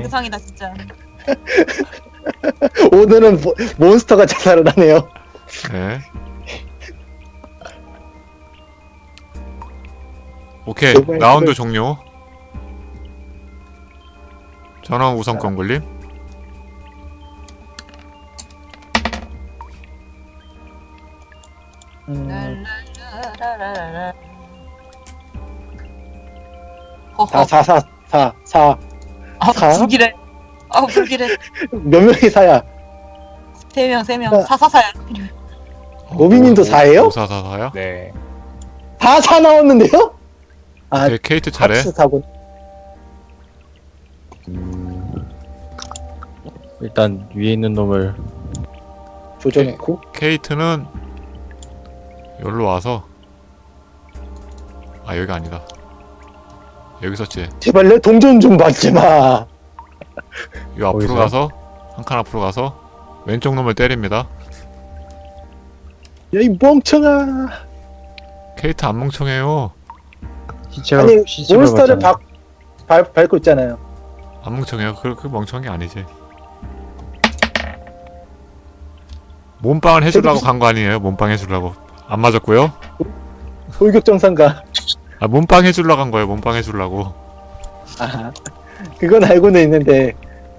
의상이다 진짜. 오늘은 몬스터가 자살을 하네요. 네. 오케이, 제발, 라운드 제발. 종료. 전원 우선권 걸림. 랄랄라라라라. 사, 허허. 사, 사, 사, 사. 아 사? 불길해. 아 불길해. 몇 명이 사야? 3명 3명. 사사사야. 노비님도 4예요? 5444요? 네. 다 사 나왔는데요? 아, 오케이, 케이트 차례. 같이 사고. 일단 위에 있는 놈을 조져놓고. 케이트는 여기로 와서 아 여기가 아니다. 여기 있었지. 제발 내 동전 좀 받지 마. 요 앞으로 거기서요? 가서 한 칸 앞으로 가서 왼쪽 놈을 때립니다. 야, 이 멍청아. 케이트 안 멍청해요. 시체가 아니, 시체가 몬스터를 봤잖아요. 밟고 있잖아요. 안 멍청해요. 그 멍청한 게 아니지. 몸빵을 해주려고 간 거 아니에요. 몸빵 해주려고. 안 맞았고요. 돌격정상가. 아 몸빵 해주려고 간 거예요. 몸빵 해주려고. 아, 그건 알고는 있는데.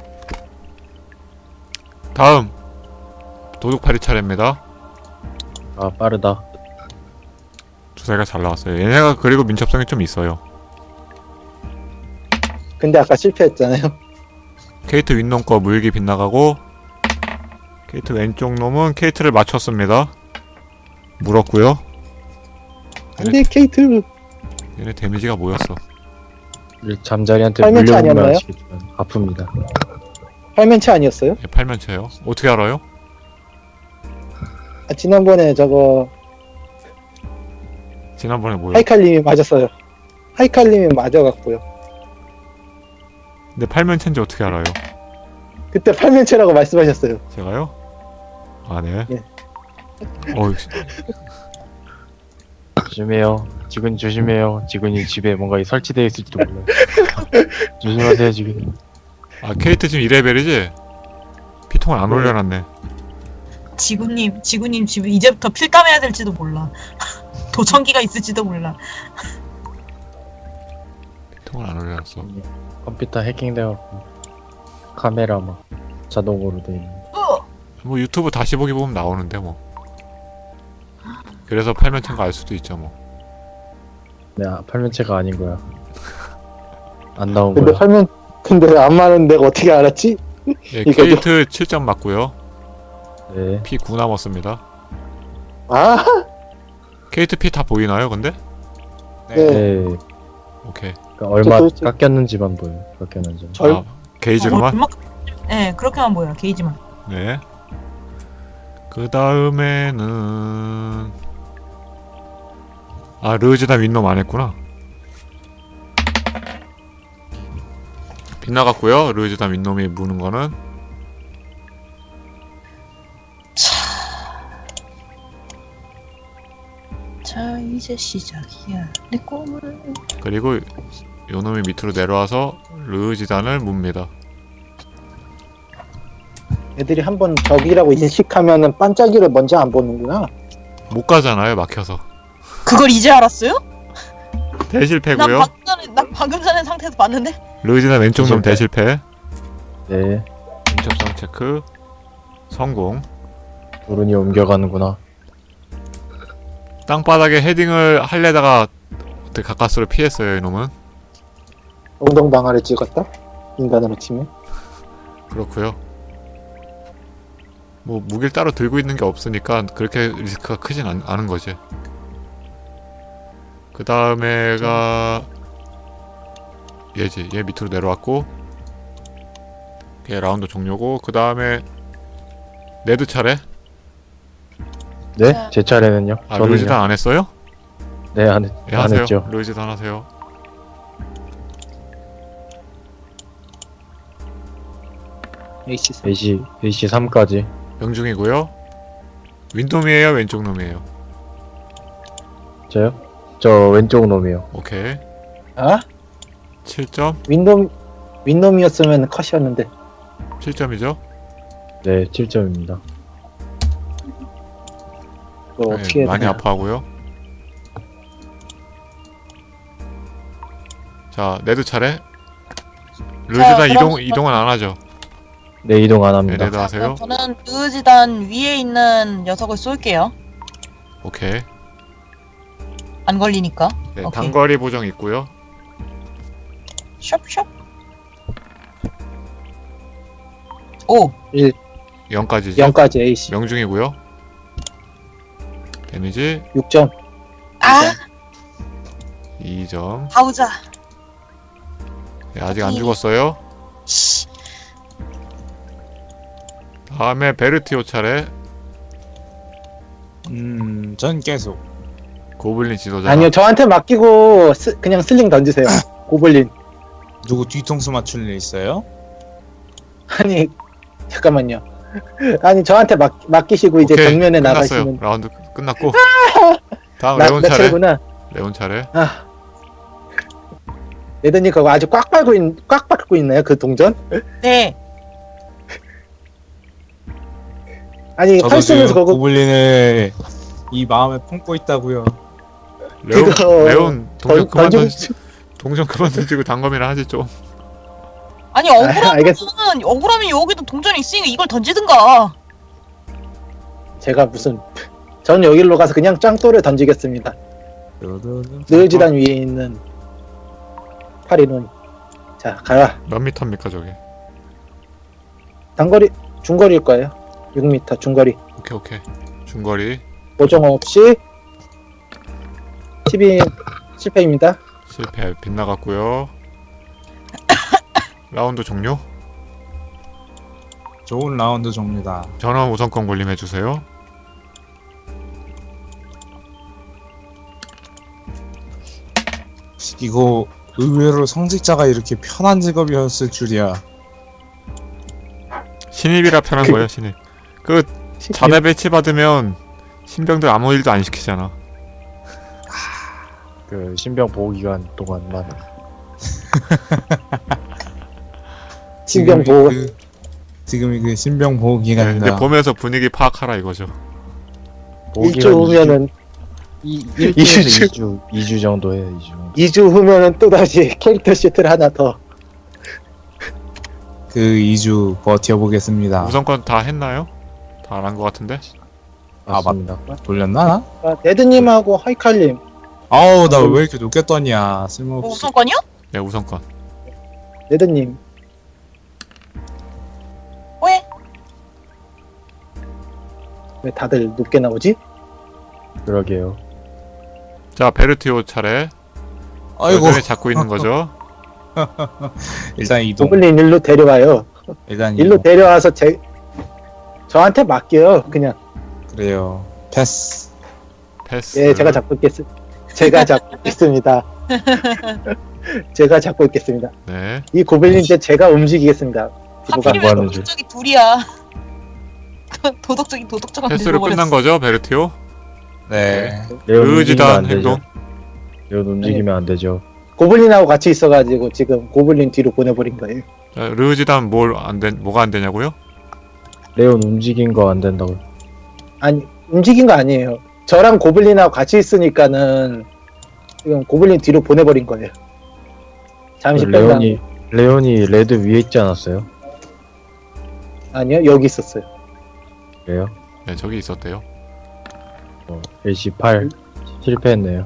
다음 도둑팔이 차례입니다. 아 빠르다. 주사위가 잘 나왔어요. 얘네가 그리고 민첩성이 좀 있어요. 근데 아까 실패했잖아요. 케이트 윗놈 거 물기 빗나가고 케이트 왼쪽 놈은 케이트를 맞췄습니다. 물었고요. 근데 케이트 얘네 데미지가 뭐였어? 우리 잠자리한테 팔면체 물려보면 아니었나요? 아시겠지만 아픕니다. 팔면체 아니었어요? 얘 팔면체요? 어떻게 알아요? 아, 지난번에 저거 지난번에 뭐요? 하이칼님이 맞았어요. 하이칼님이 맞아갖고요. 근데 팔면체인지 어떻게 알아요? 그때 팔면체라고 말씀하셨어요. 제가요? 아 네. 예. 역시. 조심해요. 지금 조심해요. 지금이 집에 뭔가 설치되어 있을지도 몰라요. 조심하세요 지금. 아 케이트 지금 2레벨이지? 피통을 안 네. 올려놨네. 지구님 집에 이제부터 필감해야 될지도 몰라. 도청기가 있을지도 몰라. 피통을 안 올려놨어. 컴퓨터 해킹돼갖고 카메라 막 자동으로 돼 있는. 뭐 유튜브 다시 보기 보면 나오는데 뭐. 그래서 팔면체인 거 알 수도 있죠 뭐. 네, 팔면체가 아닌 거야. 안 나온 근데 거야. 근데 안 맞는 내가 어떻게 알았지? 예, 이거죠? 케이트 7점 맞고요. 네. 피 9 남았습니다. 아, 케이트 피 다 보이나요 근데? 네. 네. 오케이. 그러니까 얼마 도대체- 깎였는지만 보여. 깎였는지만. 절- 아, 게이지구만. 네 그렇게만 보여 게이지만. 네. 그 다음에는 아 르즈다 윗놈 안 했구나. 빗나갔고요. 르즈다 윗놈이 무는 거는 자 이제 시작이야 내 꿈을. 그리고 요놈이 밑으로 내려와서 르지단을 뭅니다. 애들이 한번 적이라고 인식하면은 반짝이를 먼저 안 보는구나. 못 가잖아요 막혀서. 그걸 이제 알았어요? 대실패고요. 난 방금 전에 상태에서 봤는데. 르지단 왼쪽 놈 대실패. 네. 민첩성 체크 성공. 도른이 옮겨가는구나. 땅바닥에 헤딩을 할래다가 어떻게 가까스로 피했어요 이놈은. 엉덩방아를 찍었다? 인간으로 치면. 그렇고요. 뭐 무기를 따로 들고 있는 게 없으니까 그렇게 리스크가 크진 않은 거지. 그 다음에가 얘지. 얘 밑으로 내려왔고 걔 라운드 종료고 그 다음에 네드 차례. 네? 자. 제 차례는요? 아 저는요? 르지단 안 했어요? 네, 안 예, 하세요. 했죠. 르지단 하세요. AC. AC 3까지. 명중이고요. 윈돔이에요 왼쪽 놈이에요? 저요? 저 왼쪽 놈이요. 오케이. 아? 7점. 윈돔 윈놈이었으면 컷이었는데. 7점이죠? 네, 7점입니다. 이거 어떻게 해야 많이 되나? 아파하고요. 자, 네드 차례. 르즈단 그럼 이동은 안 하죠. 네, 이동 안 네, 합니다. 네드 하세요. 저는 르지단 위에 있는 녀석을 쏠게요. 오케이. 안 걸리니까. 네, 오케이. 단거리 보정 있고요. 숍숍. 오. 0까지죠. 0까지 AC. 명중이고요. 데미지 6점. 아, 2점. 가우자. 네, 아직 안 죽었어요. 씨. 다음에 베르티오 차례. 전 계속. 고블린 지도자. 아니요, 저한테 맡기고 그냥 슬링 던지세요. 고블린. 누구 뒤통수 맞출 일 있어요? 아니, 잠깐만요. 아니, 저한테 맡기시고 이제 오케이, 정면에 끝났어요. 나가시면. 라운드 끝났고. 다음 나 레온 차례. 차례구나. 레온 차례. 아. 레드님 그거 아주 꽉 밟고 있나요? 그 동전? 네. 아니, 저도 활 쓰면서 지금 그거 고블린을 이 마음에 품고 있다고요. 레온 그거 레온 동전 그만 던지고 던지. 동전 그만 던지고 단검이나 하지 좀. 아니 알겠어. 억울하면 여기도 동전이 있으니까 이걸 던지든가. 제가 무슨 전 여기로 가서 그냥 짱돌을 던지겠습니다. 느지단 위에 있는 파리는. 자, 가라. 몇 미터입니까 저게? 단거리 중거리일 거예요. 6m 중거리. 오케이. 중거리 보정 없이 12 실패입니다. 실패. 빗나갔고요. 라운드 종료. 좋은 라운드 종류다. 전원 우선권 걸림해 주세요. 이거 의외로 성직자가 이렇게 편한 직업이었을 줄이야. 신입이라 편한 거예요, 신입. 그 자대 배치 받으면 신병들 아무 일도 안 시키잖아. 그 신병 보호 기간 동안만. 신병 보호. 지금이 그 신병 보호 네, 기간이다. 근데 보면서 분위기 파악하라 이거죠. 보호 1주 기간 후면은 1주에서 2주 정도 해요, 2주. 2주 후면은 또다시 캐릭터 시트를 하나 더. 그 2주 버텨보겠습니다. 우선권 다 했나요? 다 안 한 것 같은데? 맞습니다. 돌렸나? 아, 레드님하고 하이칼님. 아우 나 왜 이렇게 높게 떠냐. 쓸모없어. 우선권이요? 네, 우선권. 레드님. 왜? 왜 다들 높게 나오지? 그러게요. 자, 베르티오 차례. 아이고 여전히 잡고 있는 거죠. 일단 이동. 고블린 일로 데려와요. 일단 일로 이동. 데려와서 저한테 맡겨요. 그냥. 그래요. 패스. 패스. 예, 제가 잡고 있겠습니다. 제가 잡고 있겠습니다. 제가 잡고 있겠습니다. 네. 이 고블린 이제 제가 움직이겠습니다. 뒤로 가. 하필이면 하는 줄. 도덕적이 둘이야. 도덕적인 도덕적한 패스로 끝난 거죠, 베르티오? 네. 레온 움직이면 의지단 안 되죠. 행동. 레온 움직이면 안 되죠. 고블린하고 같이 있어가지고 지금 고블린 뒤로 보내버린 거예요. 자, 르지단 뭐가 안 되냐고요? 레온 움직인 거 안 된다고. 아니, 움직인 거 아니에요. 저랑 고블린하고 같이 있으니까는 지금 고블린 뒤로 보내버린 거예요. 잠시 뺀다. 레온이 레드 위에 있지 않았어요? 아니요, 여기 있었어요. 그래요? 네, 저기 있었대요. AC8 실패했네요.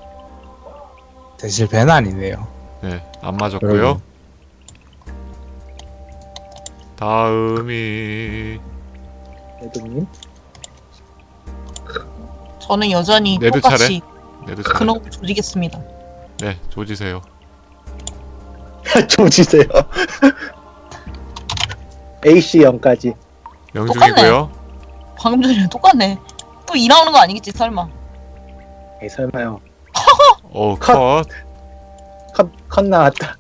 대실패는 아니네요. 네, 안 맞았고요. 그러게요. 다음이 레드님. 저는 여전히 네드 똑같이 네드 차례. 근홍 조지겠습니다. 네, 조지세요. 조지세요. AC 0까지. 명중이고요. 방금 전이랑 똑같네. 또 2 나오는 거 아니겠지 설마. 에이, 설마요. 오, 컷. 컷 나왔다.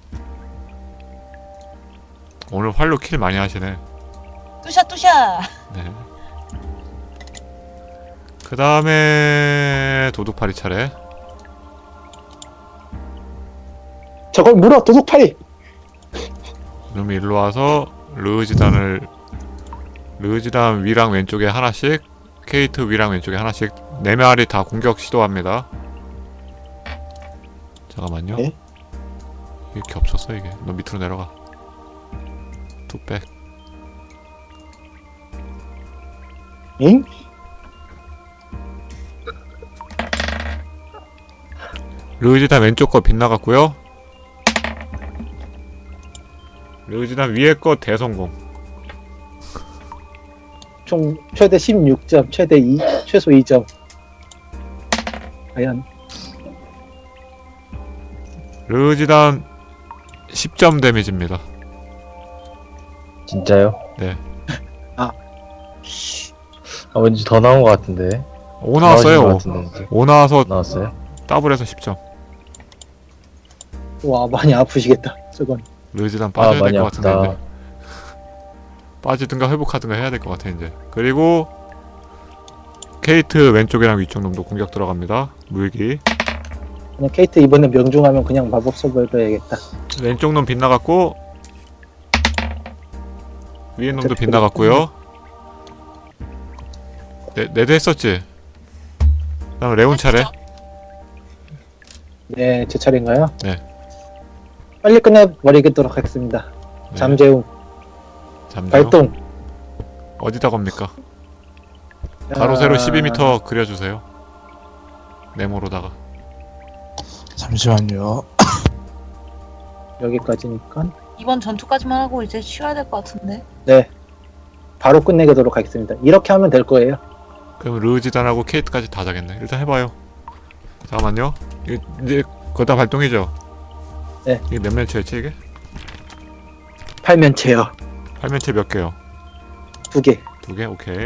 오늘 활로 킬 많이 하시네. 뚜샤. 네. 그 다음에 도둑파리 차례. 저걸 물어, 도둑팔이. 그럼 일로 와서 르지단을 르지단 위랑 왼쪽에 하나씩, 케이트 위랑 왼쪽에 하나씩 4마리 다 공격 시도합니다. 잠깐만요. 네? 이게 겹쳤어 이게. 너 밑으로 내려가. 툭백. 응? 르지단 왼쪽 거 빗나갔고요. 르지단 위에 거 대성공. 총 최대 16점, 최소 2점. 과연 르지단 10점 데미지입니다. 진짜요? 네. 아. 왠지 더 나온 것 같은데. 5 나와진 나왔어요. 것 5. 같은데, 이제. 5 나와서 나왔어요? 더블해서 10점. 와 많이 아프시겠다. 저건. 르지단 빠져야 많이 될 것 같은데 아프다. 이제. 빠지든가 회복하든가 해야 될 것 같아 이제. 그리고 케이트 왼쪽이랑 위쪽 놈도 공격 들어갑니다. 물기. 그냥 케이트 이번에 명중하면 그냥 마법 써버려 야겠다. 왼쪽 놈 빗나갔고 위에 놈도 빗나갔고요. 네드 했었지? 그다음 레온 차례. 네, 제 차례인가요? 네. 빨리 끝내버리도록 하겠습니다. 네. 잠재움, 잠재워. 발동. 어디다 겁니까? 가로 세로 12m 그려주세요. 네모로다가. 잠시만요. 여기까지니까. 이번 전투까지만 하고 이제 쉬어야 될 것 같은데. 네. 바로 끝내도록 하겠습니다. 이렇게 하면 될 거예요. 그럼 르지단하고 케이트까지 다 자겠네. 일단 해봐요. 잠깐만요. 이제 그거 다 발동이죠? 네. 이게 몇 면체였지 이게? 팔면체요. 8면체 몇 개요? 2개. 2개? 오케이.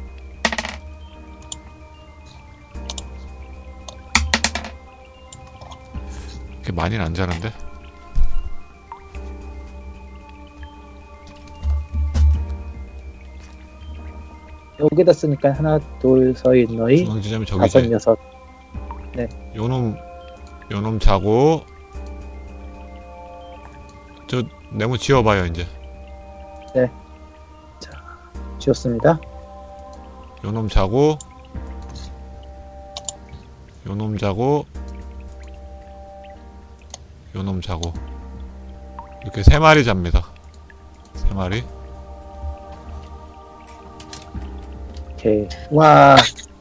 이렇게 많이는 안 자는데? 여기다 쓰니까 하나, 둘, 서이, 너희, 중앙지점이 5, 저기지. 6. 요놈 자고 저 네모 지워봐요 이제. 지웠습니다. 요놈 자고 요놈 자고 요놈 자고 이렇게 3마리 잡니다. 3마리. 오케이. 와,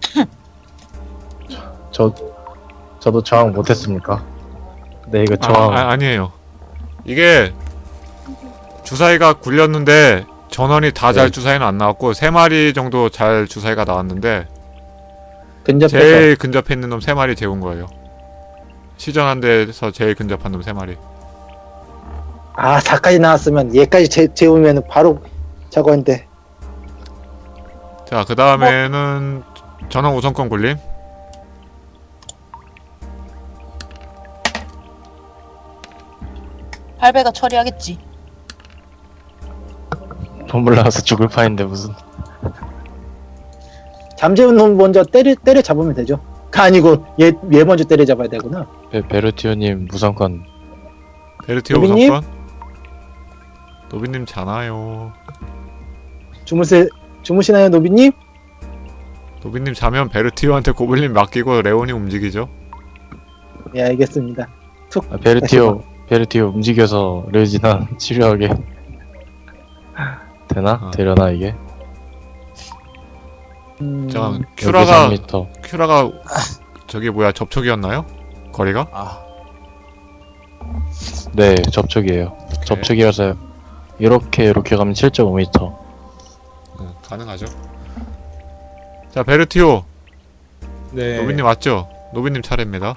저도 저항 못했습니까? 네, 이거 저항. 아니에요. 이게 주사위가 굴렸는데 전원이 다 잘 네. 주사위는 안 나왔고 3마리 정도 잘 주사위가 나왔는데 근접해서. 제일 근접해 있는 놈 3마리 재운 거예요. 시전한 데서 제일 근접한 놈 3마리. 아, 4까지 나왔으면 얘까지 재우면 바로 저거인데. 자, 그 다음에는 전원 우선권 굴림. 발배가 처리하겠지. 돈물 나와서 죽을 판인데 무슨. 잠재운 놈 먼저 때려 잡으면 되죠. 아니고 얘 먼저 때려 잡아야 되구나. 베르티오님 무상권. 베르티오 노비님? 우선권. 노비님 자나요. 주무시나요, 노비님? 노비님 자면 베르티오한테 고블린 맡기고 레온이 움직이죠. 예, 알겠습니다. 툭. 베르티오 움직여서 르지나 치료하게 되나? 되려나 이게? 잠깐 여기 큐라가 3m. 큐라가 저기 뭐야 접촉이었나요? 거리가? 아, 네, 접촉이에요. 접촉이어서 이렇게 가면 7.5m. 가능하죠. 자, 베르티오. 네. 노비님 왔죠? 노비님 차례입니다.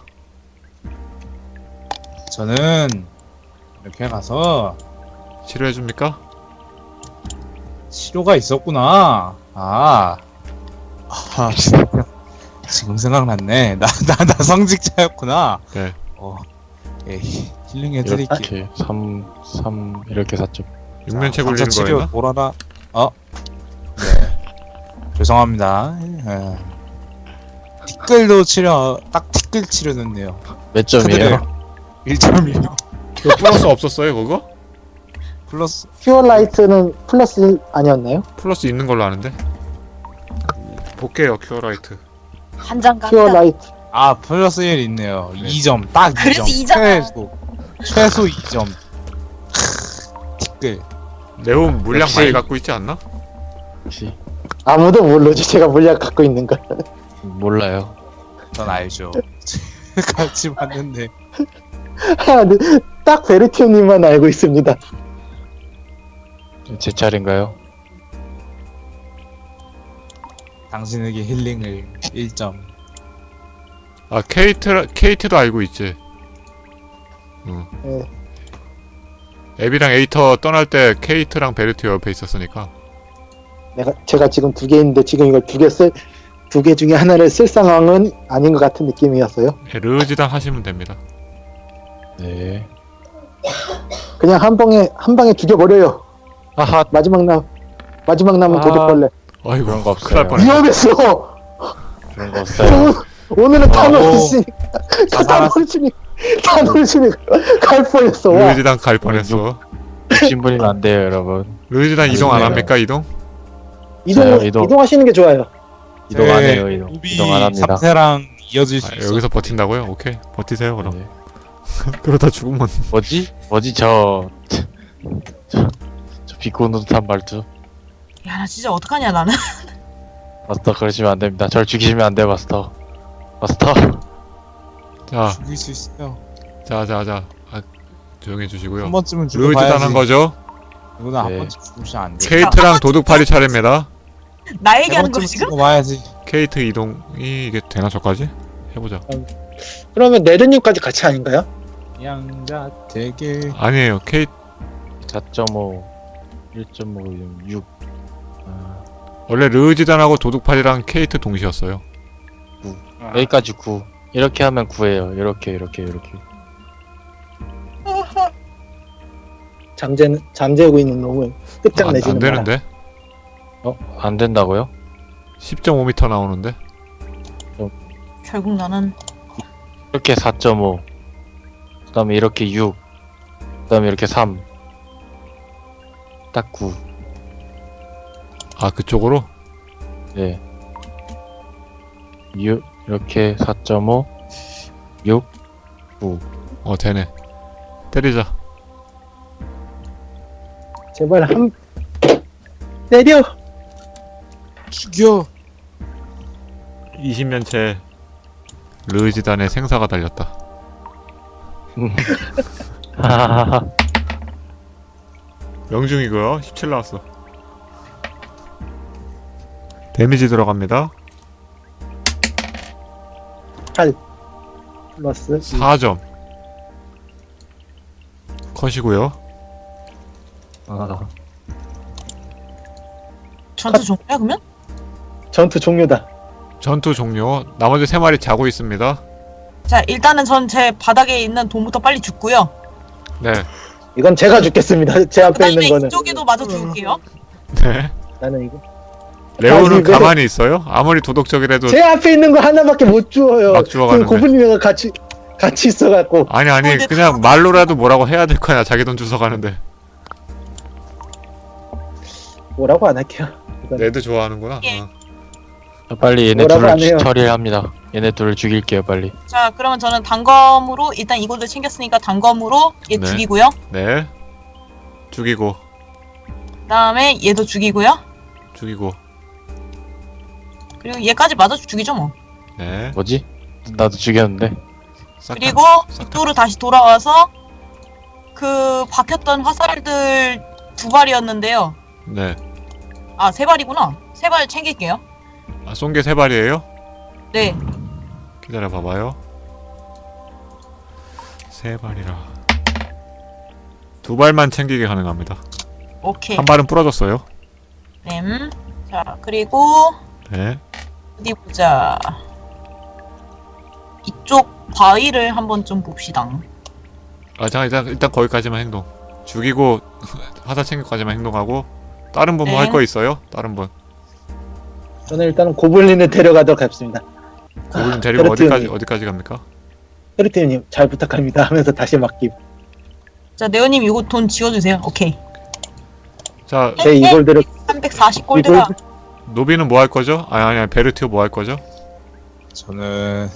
저는 이렇게 가서 치료해줍니까? 치료가 있었구나. 지금 생각났네. 나 성직자였구나. 네. 예, 힐링 해드릴게. 이렇게 3 이렇게 4점. 육면체 감사 굴리는 치료 거였나? 돌아라. 네. 죄송합니다. 티끌도 치료, 딱 티끌 치료는데요. 몇 점이에요? 1점이요. 그 플러스 없었어요 그거? 플러스 큐어라이트는 플러스 아니었나요? 플러스 있는 걸로 아는데. 볼게요 큐어라이트. 한장 갑니다. 큐어라이트. 아 플러스 1 있네요. 네. 2점 딱 2점. 그래서 2잖아. 최소 2점. 티끌. 네온 물량 역시. 많이 갖고 있지 않나? 혹시 아무도 모르지 제가 물약 갖고 있는 걸. 몰라요. 전 알죠. 같이 봤는데 딱 베르티오님만 알고 있습니다. 제 차례인가요? 당신에게 힐링을 1점. 아 케이트도 알고 있지. 응. 네. 에비랑 에이터 떠날 때 케이트랑 베르티 옆에 있었으니까. 제가 지금 2개 있는데 지금 이걸 2개 중에 하나를 쓸 상황은 아닌 것 같은 느낌이었어요. 네, 르지단 하시면 됩니다. 네. 그냥 한 방에 죽여버려요. 아하. 마지막 남은 아. 도둑벌레. 아이고 그런 거 큰일 날 없어요. 뻔했네. 위험했어. 그런 거 없어요. 오늘은 오. 타노르시니까 다 타노르시니까 갈 뻔했어. 와. 르지단 갈 뻔했어. 욕심부리면 안 돼요, 여러분. 르지단 이동 안 네. 합니까 이동? 저요, 이동. 이동하시는 게 좋아요. 이동 안 해요, 이동. 이동 안 합니다. 3세랑 이어질 수 아, 있어. 여기서 버틴다고요? 오케이 버티세요 그럼. 네. 그러다 죽으면 뭐지 저 비꼬노릇한 말투. 야, 나 진짜 어떡하냐, 나는. 마스터 그러시면 안 됩니다. 절 죽이시면 안 돼요, 마스터. 마스터. 자 죽일 수 있어요. 자. 아, 조용히 한 해주시고요. 번쯤은 르지단 죽어봐야지. 한 거죠? 이거는 한 네. 번쯤 죽으면 안 돼. 케이트랑 도둑팔이 차례입니다. 나 세 얘기하는 거 번쯤은 지금? 죽어봐야지. 케이트 이동이 이게 되나 저까지? 해보자. 그러면 네드님까지 같이 아닌가요? 양자 되게 아니에요. 케이트 4.5, 1.5, 6. 아, 원래 르지단하고 도둑팔이랑 케이트 동시였어요. 여기까지 9. 이렇게 하면 9예요. 이렇게. 잠재우고 있는 놈은 끝장내지는 안 되는데? 안 된다고요? 10.5m 나오는데? 결국 나는 이렇게 4.5. 그 다음에 이렇게 6. 그 다음에 이렇게 3. 딱 9. 아 그쪽으로? 네. 6. 이렇게 4.5. 6. 9. 되네. 때리자. 제발 때려. 죽여. 20년째 르지단의 생사가 달렸다. 하하하하. 명중이고요. 17 나왔어. 데미지 들어갑니다. 8 플러스 4점. 컷이고요. 전투 종료야, 그러면? 전투 종료다. 전투 종료. 나머지 3마리 자고 있습니다. 자, 일단은 전 제 바닥에 있는 돈부터 빨리 줍고요. 네. 이건 제가 죽겠습니다. 제 앞에 그다음에 있는 거는 이쪽에도 마저 죽을게요. 네. 나는 이거. 레오는 아니, 왜- 가만히 있어요? 아무리 도덕적이라도 제 앞에 있는 거 하나밖에 못 주워요. 막 주워가는데. 지금 고블린이가 같이 있어갖고 아니 근데 그냥 말로라도 뭐라고 해야 될 거야. 자기 돈 주워가는데. 뭐라고 안 할게요. 이건. 레드 좋아하는구나. 예. 빨리 얘네 뭐라고 안 둘을 해요. 처리를 합니다. 얘네 둘을 죽일게요, 빨리. 자, 그러면 저는 단검으로 일단 이곳을 챙겼으니까 단검으로 얘 네. 죽이고요. 네. 죽이고 그다음에 얘도 죽이고요. 죽이고. 그리고 얘까지 마저 죽이죠 뭐. 네. 뭐지? 나도 죽였는데. 싹 다- 그리고 싹 다- 이쪽으로 다시 돌아와서 그 박혔던 화살들 2발이었는데요. 네. 아, 3발이구나. 3발 챙길게요. 아, 쏜 게 3발이에요? 네. 기다려 봐봐요. 3발이라. 2발만 챙기게 가능합니다. 오케이. 한 발은 부러졌어요. 자, 그리고 네. 어디 보자. 이쪽 바위를 한번 좀 봅시다. 아, 잠깐 일단 거기까지만 행동. 죽이고 화살 챙기기까지만 행동하고. 다른 분 뭐 할 네. 거 있어요? 다른 분. 저는 일단은 고블린을 데려가도록 하겠습니다. 고블린 데리고 베르티오님. 어디까지 갑니까? 헤르티님 잘 부탁합니다 하면서 다시 맡김. 자, 네오님 이거 돈 지워주세요. 오케이. 자, 제 이골들을 340골드가 노비는 뭐 할 거죠? 아니 베르티오 뭐 할 거죠? 저는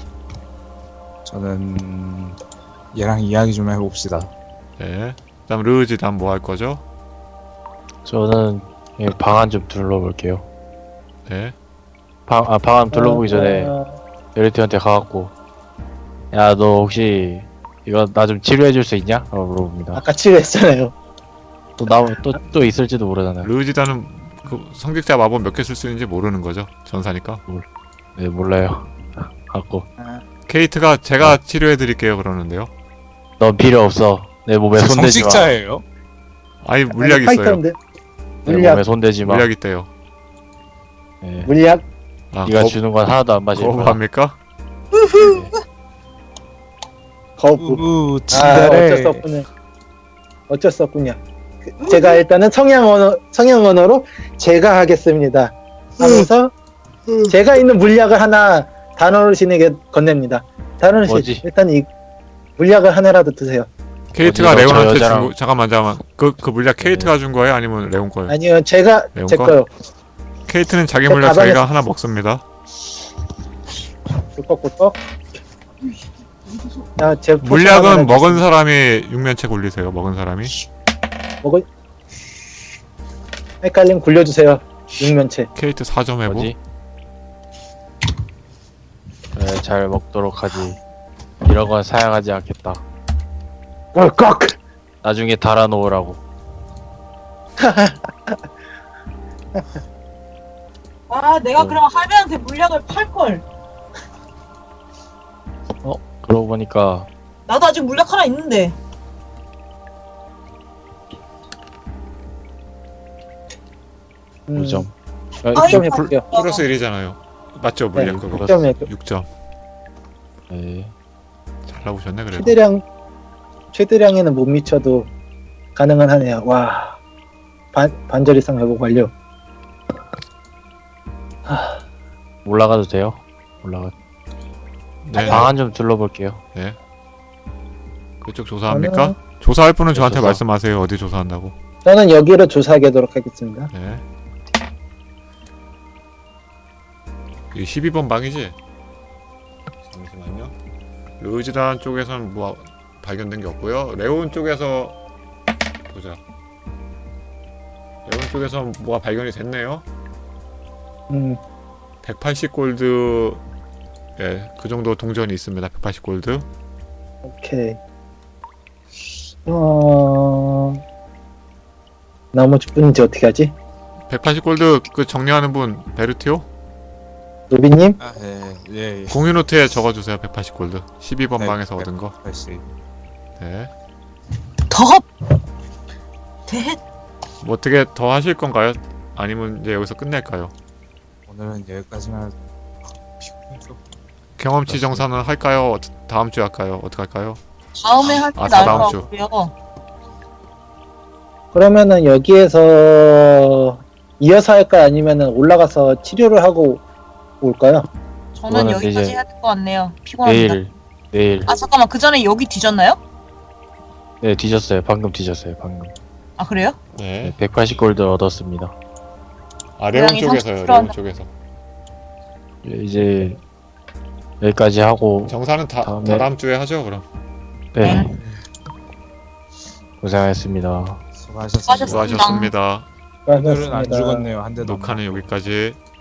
얘랑 이야기 좀 해봅시다. 네. 그다음 르지단 뭐 할 거죠? 저는 방안 좀 둘러볼게요. 네. 방안 둘러보기 전에 베르티한테 가갖고 야 너 혹시 이거 나 좀 치료해줄 수 있냐? 라고 물어봅니다. 아까 치료했잖아요. 또 있을지도 모르잖아요. 르지단은 그 성직자 마법 몇 개 쓸 수 있는지 모르는 거죠. 전사니까. 네 몰라요. 갖고 케이트가 제가 치료해 드릴게요 그러는데요. 넌 필요 없어. 내 몸에 손대지 마. 성직자예요? 아니 물약 있어요. 파이터인데. 내 물약. 몸에 손대지 마. 물약 있대요. 네. 물약. 아, 네가 주는 건 하나도 안 마실 거야. 거부합니까? 거부. 우우 어쩔 수 친절해. 없군요. 어쩔 수 없군요. 제가 일단은 성형 언어로 제가 하겠습니다. 하면서 제가 있는 물약을 하나 단어르신에게 건넵니다. 단어르신 뭐지? 일단 이 물약을 하나라도 드세요. 케이트가 어디서 저 레온한테 여자랑- 준 거, 잠깐만. 그 물약 케이트가 준 거예요? 아니면 레온 거예요? 아니요, 제가 매운 제 거? 거요. 케이트는 자기 저 물약 가방에- 자기가 하나 먹습니다. 꿀꺽꿀꺽. 자, 제 물약은 먹은 사람이 육면체 굴리세요. 먹은 사람이. 먹은 헷갈림 굴려주세요. 육면체. 케이트 4점 해보. 뭐지? 그래, 잘 먹도록 하지. 이런 건 사양하지 않겠다. 꿀꺽. 나중에 달아놓으라고. 아 내가 그럼 할배한테 물약을 팔걸. 그러고 보니까 나도 아직 물약 하나 있는데. 음, 5점. 아이, 6점 해볼게요. 플러스 1이잖아요. 맞죠? 물약 네, 그거. 6점 해. 6점. 네. 잘 나오셨네 그래도. 최대량에는 못 미쳐도 가능은 하네요. 와. 반절 이상 회복 완료. 올라가도 돼요? 올라가. 네. 방안 좀 둘러볼게요. 그쪽 조사합니까? 조사할 분은 저한테 조사. 말씀하세요. 어디 조사한다고. 저는 여기로 조사하도록 하겠습니다. 네. 이 12번 방이지? 잠시만요. 르지단 쪽에서는 뭐 발견된 게 없고요. 레온 쪽에서 보자. 레온 쪽에서 뭐가 발견이 됐네요. 180골드. 예, 그 정도 동전이 있습니다. 180골드. 오케이. 나머지 분인지 어떻게 하지? 180골드 그 정리하는 분 베르티오? 노비님? 아, 예. 공유 노트에 적어주세요. 180골드. 12번 네, 방에서 네. 얻은 거. 다시. 네. 더. 대. 뭐 어떻게 더 하실 건가요? 아니면 이제 여기서 끝낼까요? 오늘은 여기까지만. 피곤해서. 경험치 정산은 할까요? 다음 주에 할까요? 어떻게 할까요? 다음에 할 때 아, 나을 다음 것 주. 같고요. 그러면은 여기에서 이어서 할까요? 아니면은 올라가서 치료를 하고 올까요? 저는 그거는 여기까지 이제 해야 될 것 같네요. 피곤합니다. 내일. 아 잠깐만 그 전에 여기 뒤졌나요? 네, 뒤졌어요. 방금 뒤졌어요. 방금. 아 그래요? 네. 180골드 얻었습니다. 아 레온 고양이 쪽에서요. 30% 레온 한다. 쪽에서. 이제 여기까지 하고 정산은 다음에- 다음 주에 하죠. 그럼. 네. 고생하셨습니다. 수고하셨습니다. 수고하셨습니다. 수고하셨습니다. 오늘은 안 수고하셨습니다. 죽었네요. 한 대도. 안 녹화는 여기까지.